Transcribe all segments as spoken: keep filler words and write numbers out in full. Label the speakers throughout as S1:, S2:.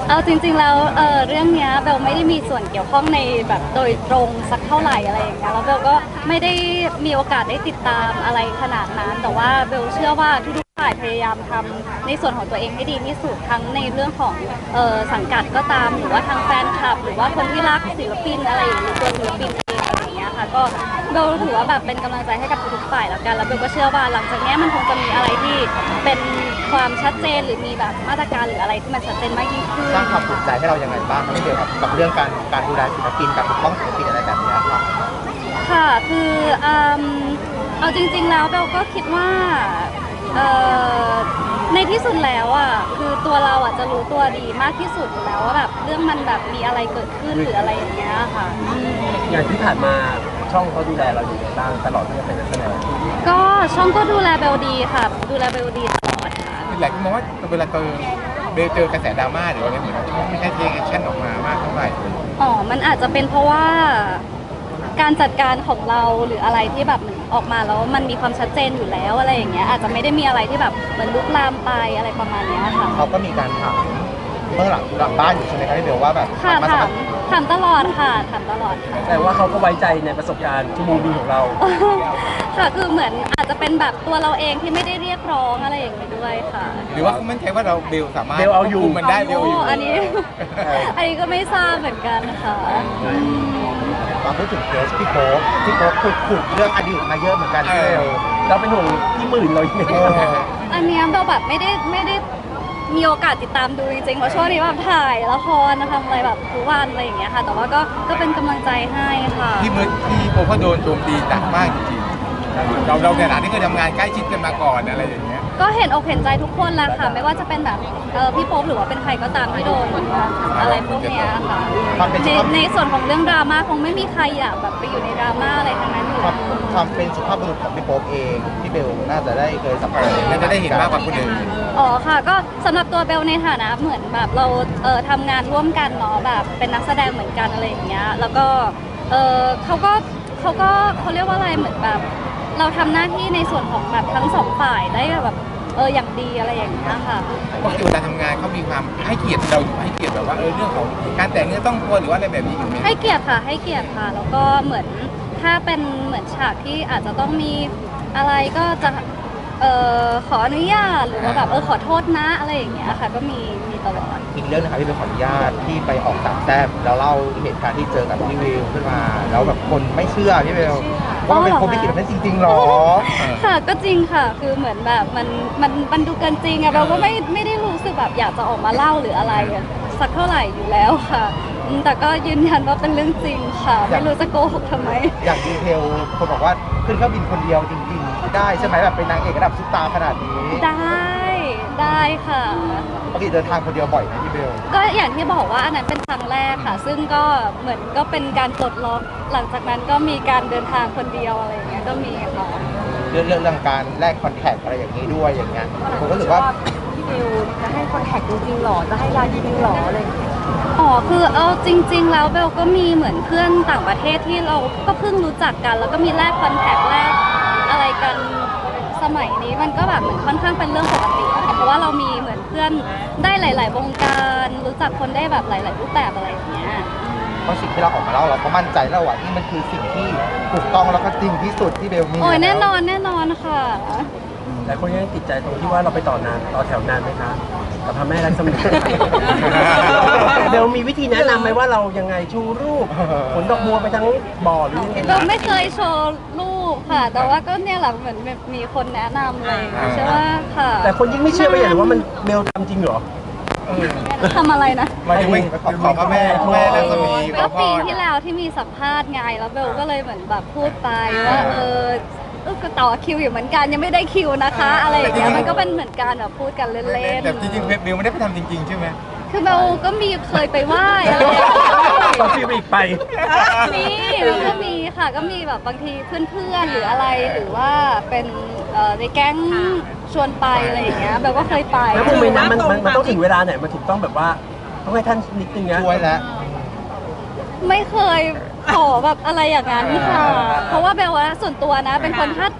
S1: เอาจริงๆแล้วเออเรื่องเนี้ยเบลไม่ได้มีส่วนเกี่ยวข้องในแบบโดยตรงสักเท่าไหร่อะไรอย่างเงี้ยแล้วเบลก็ไม่ได้มีโอกาสได้ติดตามอะไรขนาดนั้นแต่ว่าเบลเชื่อว่าทุกๆฝ่ายพยายามทำในส่วนของตัวเองให้ดีที่สุดทั้งในเรื่องของเออสังกัดก็ตามหรือว่าทางแฟนคลับหรือว่าคนที่รักศิลปินอะไรหรือตัวศิลปินเองอะไรอย่างเงี้ยค่ะก็เบลถือว่าแบบเป็นกำลังใจให้กับทุกๆฝ่ายแล้วกันแล้วเบลก็เชื่อว่าหลังจากนี้มันคงจะมีอะไรที่เป็นความชัดเจนหรือมีแบบมาตรการหรืออะไรที่มันชัดเจนมากยิ่งขึ้น
S2: สร้างความสนใจให้เราอย่างไรบ้างไม่เกี่ยวกับกับเรื่องการการดูแลศิลปินการปกป้องศิลปินอะไรแบบนี้ครับ
S1: ค่ะ คืออืมเอาจริงๆ แล้วเบลก็คิดว่าเอ่อในที่สุดแล้วอ่ะ คือตัวเราอ่ะจะรู้ตัวดีมากที่สุดอยู่แล้วว่าแบบเรื่องมันแบบมีอะไรเกิดขึ้นหรืออะไรอย่างเงี้ยค่ะอืม
S3: อย่างที่ผ่านมาช่องเขาดูแลเราอยู่บ้างตลอดที่เราเป็นนักแสดง
S1: ก็ช่องก็ดูแลเบลดีค่ะ ดูแลเบลดีตลอดค่ะ
S4: หลายคนมองว่าเวลาเจอเบลเจอกระแสดราม่าหรือว่าอะไรเหมือนกันช่องไม่ใช่เทคแอคชั่นออกมามากเท่าไหร่
S1: อ๋อ มันอาจจะเป็นเพราะว่าการจัดการของเราหรืออะไรที่แบบออกมาแล้วมันมีความชัดเจนอยู่แล้วอะไรอย่างเงี้ยอาจจะไม่ได้มีอะไรที่แบบเหมือนลุกลามไปอะไรประมาณเนี้ยค่ะ
S2: เขาก็มีการถามเมื่อหลังหลังบ้านอยู่ใช่ไหมครับพี่เบลว่าแบบ
S1: ค่ะ
S2: มา
S1: ถา
S2: สั
S1: ม
S2: มภาษณ์
S1: ถามตลอดค่ะถามตลอดค่ะ
S3: แต่ว่าเขาก็ไว้ใจในประสบการณ์ชั่วโมงบินของเรา
S1: ค่ะคือเหมือนอาจจะเป็นแบบตัวเราเองที่ไม่ได้เรียกร้องอะไรอย่างนี้ด้วยค่ะ
S4: หรือว่าเขามั่นใจว่าเราเบลสามารถ
S3: เบลเอาอยู่
S4: ควบคุมมันได้เบลเอาอยู่
S1: อันนี้ อันนี้ก็ไม่ทราบเหมือนกันค่ะ
S2: มาพูดถึงเคสพี่โป๊ปพี่โป๊ปขุดขุดเรื่องอดีตมาเยอะเหมือนกันพี่เบล
S3: เราเป็นห่วงพี่หมื่นเราอย่าง
S2: เอ
S3: นี้
S2: อ
S1: อันเนี้ยเราแบบไม่ได้ไม่ได้มีโอกาสติดตามดูจริงๆเพราะช่วงนี้แบบถ่ายละครทำอะไรแบบทุกวันอะไรอย่างเงี้ยค่ะ แต่ว่าก็ก็เป็นกำลังใจให้ค่ะ
S4: ที่มือที่โปก็โดนโจมตีหนักมากจริงๆเราเราในฐานะที่เคยทำงานใกล้ชิดกันมาก่อนอะไรอย่างเงี้ย
S1: ก็เห็นอกเห็นใจทุกคนแหละค่ะ ไม่ว่าจะเป็นแบบเออพี่โป๊ปหรือว่าเป็นใครก็ตามที่โดนอะไรพวกเนี้ยค่ะ
S2: ความเป็น
S1: ในในส่วนของเรื่องดราม่าคงไม่มีใครอยากแบบไปอยู่ในดราม่าอะไรทั้งนั้นอยู่
S2: ความ
S1: แล้ว
S2: ความเป็นสุภาพบุรุษของพี่โป๊ปเองพี่เบลน่าจะได้เคยสัมผัส
S4: น่าจะได้เห็นมากกว่าคนอื่น
S1: อ๋อค่ะก็สำหรับตัวเบลในฐานะเหมือนแบบเราเออทำงานร่วมกันเนาะแบบเป็นนักแสดงเหมือนกันอะไรอย่างเงี้ยแล้วก็เออเขาก็เขาก็เขาเรียกว่าอะไรเหมือนแบบเราทำหน้าที่ในส่วนของแบบทั้งสองฝ่ายได้แบบเอออย่างดีอะไรอย่างเงี้ยค่ะ
S4: ปกติเวลาทำงานเขามีความให้เกียรติเราอยู่ให้เกียรติแบบว่าเออเรื่องของการแต่งเนื้อต้องตัวหรือว่าอะไรแบบนี้อยู่ไหม
S1: ให้เกียรติค่ะให้เกียรติค่ะ แล้วก็เหมือนถ้าเป็นเหมือนฉากที่อาจจะต้องมีอะไรก็จะเอ่อขออนุญาตหรือว่าแบบเออขอโทษนะอะไรอย่างเงี้ยค่ะ ก็มีมีตลอด
S2: อีกเรื่องนะครับพี่เบลขออนุญาตที่ไปออกสามแต้มแล้วเล่าเหตุการณ์ที่เจอกับพี่วิวขึ้นมาแล้วแบบคนไม่เชื่อพี่เบลว่ามันเป็นคนไม่คิดแบบนั้นจริงๆหรอ
S1: ค่ะก็จริงค่ะคือเหมือนแบบมันมันมันดูเกินจริงอะเราก็ไม่ไม่ได้รู้สึกแบบอยากจะออกมาเล่าหรืออะไรอะสักเท่าไหร่อยู่แล้วค่ะอืมแต่ก็ยืนยันว่าเป็นเรื่องจริงค่ะ ไม่รู้จะโกหกทำไม
S2: อย่างดีเทลคนบอกว่าขึ้นเครื่องบินคนเดียวจริงๆ ได้ใช่ไหมแบบเป็นนางเอกระดับซุปตาร์ขนาดนี้
S1: ได้ได้ค่ะ
S2: ปกติเดินทางคนเดียวบ่อยไหมพี่เบล
S1: ก็อย่างที่บอกว่าอันนั้นเป็นครั้งแรกค่ะ ซึ่งก็เหมือนก็เป็นการปลดล็อกหลังจากนั้นก็มีการเดินทางคนเดียวอะไรอย่างเงี้ยก็มีค่ะ
S2: เรื่องเรื่องเรื่องการแลกคอนแทคอะไรอย่างนี้ด้วยอย่างเงี้ยผมก็รู้สึกว่า
S5: พี่บิวจะให้คอนแทคจริงๆหรอ จะให้ไลน์จริงๆหรออะไรอย่างเงี้ย
S1: อ๋อคือเอาจริง ๆ แล้วเบลก็มีเหมือนเพื่อนต่างประเทศที่เราก็เพิ่งรู้จักกัน แล้วก็มีแลกคอนแทคแลกอะไรกันสมัยนี้มันก็แบบเหมือนค่อนข้างเป็นเรื่องปกติอะค่ะเพราะว่าเรามีเหมือนเพื่อนได้หลาย ๆ วงการรู้จักคนได้แบบหลาย ๆ รูปแบบอะไรอย่างเงี้ย
S2: เพราะสิ่งที่เราออกมาเล่าเราก็มั่นใจแล้วว่านี่มันคือสิ่งที่ถูกต้องแล้วก็จริงที่สุดที่เบลมี
S1: โอ้ยแน่นอนแน่นอนค่ะ
S3: แต่คนยังติดใจตรงที่ว่าเราไปต่อนานต่อแถวนานไหมคะกับพระแม่รักษมี เดี๋ยวมีวิธีแนะนำไหมว่าเรายังไงชูรูปขนดอกบัวไปทั้งบ่อหรือยังไง
S1: เบลไม่เคยโชว์รูปค่ะ แต่ว่าก็เนี่ยแหละเหมือนแบบมีคนแนะนำเลยใช่ว่าค่ะ
S3: แต่คนยิ่งไม่เชื่อไปอย่างว่ามันเบลทำจริงเหรอ
S1: ทำอะไรนะ
S4: หมายถึงไปขอขอพระแม่พระแม่รัศมีข
S1: ก็
S4: อพ
S1: ปี
S4: ร
S1: ที่แล้วที่มีสัมภาษณ์ไงแล้วเบลก็เลยเหมือนแบบพูดไปว่าเออเออก็ต่อคิวอยู่เหมือนกันยังไม่ได้คิวนะคะ อะไรอย่างเงี้ยมันก็เป็นเหมือนการแบบพูดกันเล่น
S4: แต่จริงๆเบลไม่ได้ไปทำจริงๆใช่ไหม
S1: ๆคือเบลก็มีเคยไปไหว้อะไรอย่างเงี้ย
S3: ต่อคิวอีกไป
S1: มีมันก็มีค่ะก็มีแบบบางทีเพื่อนๆหรืออะไรหรือว่าเป็นเอ่อในแก๊งชวนไปอะไรอย่างเงี้ยเบลก็เคยไป
S3: แล้วโมเมนต์นั้นมันมันมันต้องถึงเวลาไหนมันถึงต้องแบบว่าต้องให้ท่านนิดนึงนะ
S2: ช่วยแล้ว
S1: ไม่เคยขอแบบอะไรอย่างนั้นค่ะ เพราะว่าเบลว่าส่วนตัวนะ เป็นคนถ้าจะข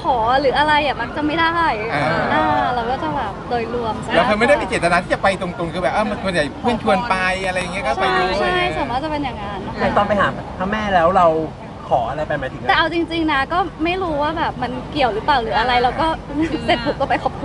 S1: ขอหรืออะไรอ่ะมักจะไม่ได้
S4: อ่า
S1: อ่าเราก็จะแบบโดยรวมซะ
S4: เราเคยไม่ได้มีเจตนาที่จะไปตรงๆคือแบบเออมันส่วนใหญ่เพื่อนชวนไปอะไรอย่างเงี้ยก็ไป
S1: ใช่
S4: ด้วย
S1: ใช่ส่วนมากจะเป็นอย่างนั้นนะ
S3: ใน
S1: คะ
S3: ตอนไปหาพระแม่แล้วเราขออะไรไปหมายถึง
S1: แต่เอาจริงๆนะก็ไม่รู้ว่าแบบมันเกี่ยวหรือเปล่าหรืออะไรเราก็เสร็จปุ๊บก็ไปขอบคุณ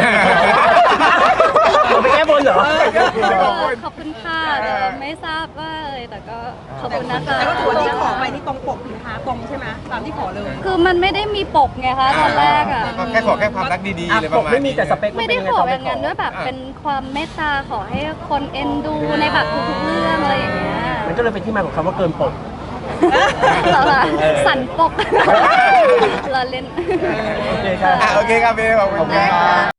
S3: เราไปแก้บนเหรอ
S1: เออขอบคุณค่ะแต่ไม่ทราบว่าอะไรแต่ก็ขอบคุณนะคะ
S5: แต่ก็ถือว่าที่ขอไปนี่ตรงปกสินค้าตรงใช่ไหมตามที่ขอเลย
S1: คือมันไม่ได้มีปกไงคะตอนแรกอ่ะ
S4: ก็แค่ขอแค่ความรักดีๆ
S3: อ่ะ
S4: เลยป
S3: ป
S4: ระ
S3: ก
S4: มาณ
S3: ไม่มี
S4: นี้
S3: แต่สเปค
S1: ไม่ได้
S3: น
S1: ข
S3: เป็
S1: อ
S3: ยัง
S1: แบ
S3: ไง
S1: บนั้นด้วยแบบเป็นความเมตตาขอให้คนเอ็นดูในแบบทุกๆเรื่องอะไรอย่างเงี้ย
S3: มันก็เลยเป็นที่มาของคำว่าเกินปก
S1: เหรอคะสันปกเราเล่น
S3: โอเคครับ
S4: อ่ะโอเคครับเบลขอบคุณ
S1: ได้
S4: ค
S1: ค่ะ
S4: รับ